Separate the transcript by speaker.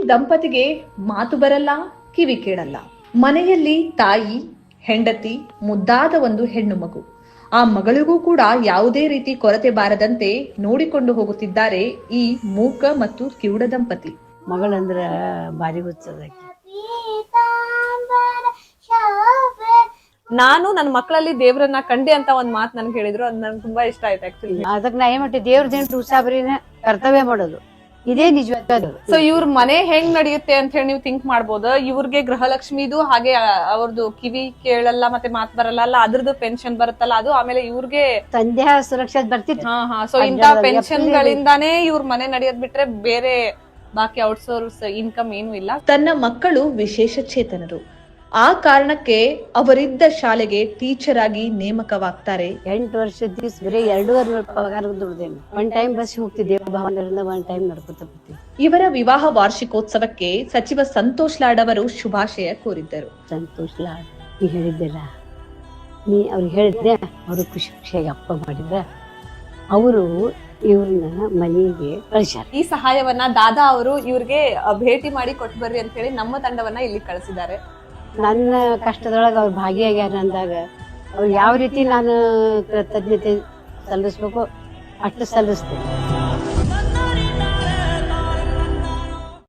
Speaker 1: ದಂಪತಿಗೆ ಮಾತು ಬರಲ್ಲ, ಕಿವಿ ಕೇಳಲ್ಲ. ಮನೆಯಲ್ಲಿ ತಾಯಿ, ಹೆಂಡತಿ, ಮುದ್ದಾದ ಒಂದು ಹೆಣ್ಣು ಮಗು. ಆ ಮಗಳಿಗೂ ಕೂಡ ಯಾವುದೇ ರೀತಿ ಕೊರತೆ ಬಾರದಂತೆ ನೋಡಿಕೊಂಡು ಹೋಗುತ್ತಿದ್ದಾರೆ ಈ ಮೂಕ ಮತ್ತು ಕಿವುಡ ದಂಪತಿ.
Speaker 2: ಮಗಳಂದ್ರ ಬಾರಿ ಹುಚ್ಚದ.
Speaker 3: ನಾನು ನನ್ನ ಮಕ್ಕಳಲ್ಲಿ ದೇವ್ರನ್ನ ಕಂಡೆ ಅಂತ ಒಂದ್ ಮಾತು ನನ್ಗೆ ಹೇಳಿದ್ರು, ಅದ್ ನನ್ಗೆ ತುಂಬಾ ಇಷ್ಟ ಆಯ್ತು ಆಕ್ಚುಲಿ.
Speaker 2: ಅದಕ್ಕೆ ನಾ ಏನ್ ಮಾಡಿ ದೇವ್ರದೇನು ಉಸಾಬರಿನ ಕರ್ತವ್ಯ ಮಾಡೋದು, ಇದೇ ನಿಜವಾದ.
Speaker 3: ಸೊ ಇವ್ರ ಮನೆ ಹೆಂಗ್ ನಡೆಯುತ್ತೆ ಅಂತ ಹೇಳಿ ನೀವು ಥಿಂಕ್ ಮಾಡ್ಬೋದು. ಇವ್ರಿಗೆ ಗೃಹಲಕ್ಷ್ಮಿದು ಹಾಗೆ ಅವ್ರದ್ದು ಕಿವಿ ಕೇಳಲ್ಲ ಮತ್ತೆ ಮಾತ್ ಬರಲ್ಲ ಅಲ್ಲ, ಅದ್ರದ್ದು ಪೆನ್ಷನ್ ಬರುತ್ತಲ್ಲ ಅದು, ಆಮೇಲೆ ಇವ್ರಿಗೆ
Speaker 2: ತಂದೆ ಸುರಕ್ಷಾ ಬರ್ತಿತ್ತು.
Speaker 3: ಸೊ ಇಂತ ಪೆನ್ಷನ್ ಗಳಿಂದಾನೇ ಇವ್ರ ಮನೆ ನಡೆಯೋದ್ ಬಿಟ್ರೆ ಬೇರೆ ಬಾಕಿ ಔಟ್ಸೋರ್ಸ್ ಇನ್ಕಮ್ ಏನು ಇಲ್ಲ.
Speaker 1: ತನ್ನ ಮಕ್ಕಳು ವಿಶೇಷ ಚೇತನರು, ಆ ಕಾರಣಕ್ಕೆ ಅವರಿದ್ದ ಶಾಲೆಗೆ ಟೀಚರ್ ಆಗಿ ನೇಮಕವಾಗ್ತಾರೆ.
Speaker 2: 8 ವರ್ಷದ ದಿವ್ಸ ಬರೀ 2.5 ಪಗಾರ ದುಡ್ದೇನೆ. ಒನ್ ಟೈಮ್ ಬಸ್ ಹೋಗ್ತಿದ್ದೆ ಭಾವನರಿಂದ, ಒನ್ ಟೈಮ್ ನಡ್ಕೊತ ಬರ್ತೀವಿ.
Speaker 1: ಇವರ ವಿವಾಹ ವಾರ್ಷಿಕೋತ್ಸವಕ್ಕೆ ಸಚಿವ ಸಂತೋಷ್ ಲಾಡ್ ಅವರು ಶುಭಾಶಯ ಕೋರಿದ್ದರು.
Speaker 2: ಸಂತೋಷ್ ಲಾಡ್ ನೀ ಹೇಳಿದ್ದೆಲ್ಲ, ನೀ ಅವ್ರಿಗೆ ಹೇಳಿದ್ರೆ ಅವರು ಖುಷಿ ಖುಷಿಯಾಗಿ ಅಪ್ಪ ಮಾಡಿದ್ರ, ಅವರು ಇವ್ರನ್ನ ಮನೆಗೆ ಕಳಿಸ್ಯಾರ.
Speaker 3: ಈ ಸಹಾಯವನ್ನ ದಾದಾ ಅವರು ಇವ್ರಿಗೆ ಭೇಟಿ ಮಾಡಿ ಕೊಟ್ಟು ಬರ್ರಿ ಅಂತ ಹೇಳಿ ನಮ್ಮ ತಂಡವನ್ನ ಇಲ್ಲಿ ಕಳಿಸಿದ್ದಾರೆ.
Speaker 2: ನನ್ನ ಕಷ್ಟದೊಳಗೆ ಅವ್ರು ಭಾಗಿಯಾಗ್ಯಾರ ಅಂದಾಗ ಅವ್ರು ಯಾವ ರೀತಿ ನಾನು ಕೃತಜ್ಞತೆ ಸಲ್ಲಿಸ್ಬೇಕು ಅಷ್ಟು ಸಲ್ಲಿಸ್ತೇನೆ.